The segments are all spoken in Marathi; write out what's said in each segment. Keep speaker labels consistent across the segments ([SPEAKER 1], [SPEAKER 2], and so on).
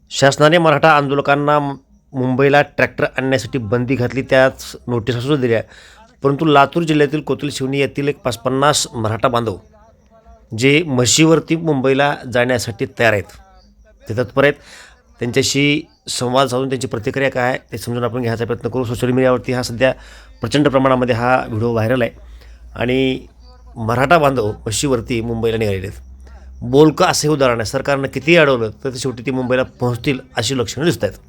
[SPEAKER 1] शासनाने मराठा आंदोलकांना मुंबईला ट्रॅक्टर आणण्यासाठी बंदी घातली, त्याच नोटिसा सुद्धा दिल्या. परंतु लातूर जिल्ह्यातील कोतुल शिवणी येथील एक 50 मराठा बांधव जे म्हशीवरती मुंबईला जाण्यासाठी तयार आहेत, ते तत्पर आहेत. त्यांच्याशी संवाद साधून त्यांची प्रतिक्रिया काय आहे ते समजून आपण घ्यायचा प्रयत्न करू. सोशल मीडियावरती हा सध्या प्रचंड प्रमाणामध्ये हा व्हिडिओ व्हायरल आहे आणि मराठा बांधव म्हशीवरती मुंबईला निघालेले आहेत. बोलकं असे उदाहरण आहे. सरकारनं कितीही अडवलं तर शेवटी ती मुंबईला पोहोचतील अशी लक्षणं दिसत आहेत.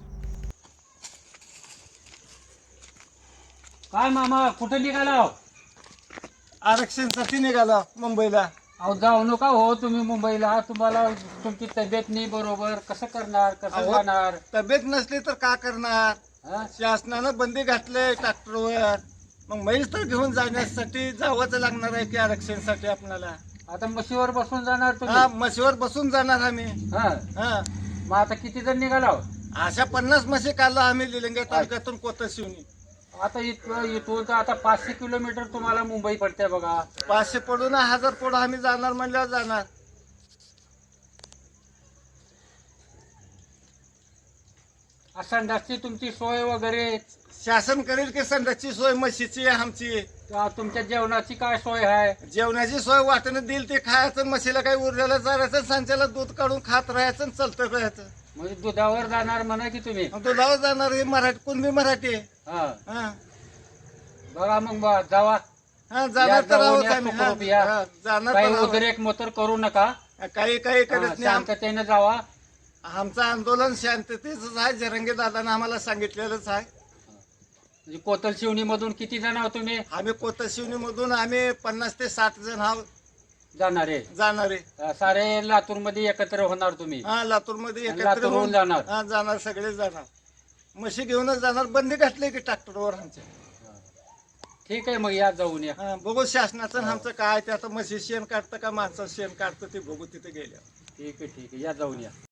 [SPEAKER 2] काय मामा कुठे निघाला?
[SPEAKER 3] आरक्षणासाठी निघाला मुंबईला.
[SPEAKER 2] अहो जाऊ नका हो तुम्ही मुंबईला. तुम्हाला तुमची तब्येत नाही बरोबर, कसं करणार, कसं
[SPEAKER 3] अहो,
[SPEAKER 2] जाणार?
[SPEAKER 3] तब्येत नसली तर का करणार?
[SPEAKER 2] हा?
[SPEAKER 3] शासनानं बंदी घातले ट्रॅक्टरवर, मग म्हैस तर घेऊन जाण्यासाठी जावंच लागणार आहे की आरक्षणासाठी आपल्याला.
[SPEAKER 2] आता म्हशीवर बसून जाणार
[SPEAKER 3] हा,
[SPEAKER 2] तुम्ही?
[SPEAKER 3] म्हशीवर बसून जाणार आम्ही.
[SPEAKER 2] हा.
[SPEAKER 3] हा,
[SPEAKER 2] मग आता किती जण निघाला?
[SPEAKER 3] अशा 50 म्हशी काढला आम्ही लिलंगे तालुक्यातून कोतुल शिवणी.
[SPEAKER 2] आता इथून तर आता 500 किलोमीटर तुम्हाला मुंबई पडते बघा.
[SPEAKER 3] 500 पडून 1000 पडून आम्ही जाणार म्हणल्यावर जाणार.
[SPEAKER 2] संडासची तुमची सोय वगैरे,
[SPEAKER 3] शासन करेल की संडासची सोय म्हशीची आमची.
[SPEAKER 2] तुमच्या जेवणाची काय सोय आहे?
[SPEAKER 3] जेवणाची सोय वाटणं देईल ते खायचं, म्हशीला काही उरलेलं चारायचं, सांच्याला दूध काढून खात राहायचं आणि चालतं राहायचं.
[SPEAKER 2] म्हणजे दुधावर जाणार म्हणा की तुम्ही?
[SPEAKER 3] मग तो जाऊ जाणार. हे मराठी कुणबी मराठी आहे.
[SPEAKER 2] हा.
[SPEAKER 3] हा,
[SPEAKER 2] बघा मग जावा.
[SPEAKER 3] हा,
[SPEAKER 2] या
[SPEAKER 3] जाणार तर
[SPEAKER 2] जाऊन
[SPEAKER 3] आहोत
[SPEAKER 2] या
[SPEAKER 3] आम्ही.
[SPEAKER 2] सुखरूप या.
[SPEAKER 3] हा, जाणार
[SPEAKER 2] काही
[SPEAKER 3] तर आहोत.
[SPEAKER 2] उद्रेक मोतर करू नका.
[SPEAKER 3] काही करत नाही.
[SPEAKER 2] शांततेने जावा.
[SPEAKER 3] आमचं आंदोलन शांततेच आहे. जरंगे दादानं आम्हाला सांगितलेलंच आहे.
[SPEAKER 2] म्हणजे कोतल शिवणी मधून किती जण आहोत तुम्ही
[SPEAKER 3] आम्ही कोतुल शिवणी मधून आम्ही 50 ते 60 जण आहोत
[SPEAKER 2] जाणारे?
[SPEAKER 3] जाणारे.
[SPEAKER 2] सारे लातूर मध्ये एकत्र होणार तुम्ही?
[SPEAKER 3] हा, लातूर मध्ये
[SPEAKER 2] आणि
[SPEAKER 3] एकत्र
[SPEAKER 2] लातूरहून
[SPEAKER 3] होऊन
[SPEAKER 2] जाणार?
[SPEAKER 3] हा, जाणार, सगळे जाणार. म्हशी घेऊनच जाणार. बंदी घातली की ट्रॅक्टरवर आमच्या.
[SPEAKER 2] ठीक आहे, मग या जाऊन या.
[SPEAKER 3] हा, बघू शासनाचं आणि आमचं काय ते. आता म्हशी शेण काढतं का माणसं शेण काढतं ते बघू तिथे गेल्या.
[SPEAKER 2] ठीक आहे, ठीक आहे, या जाऊन या.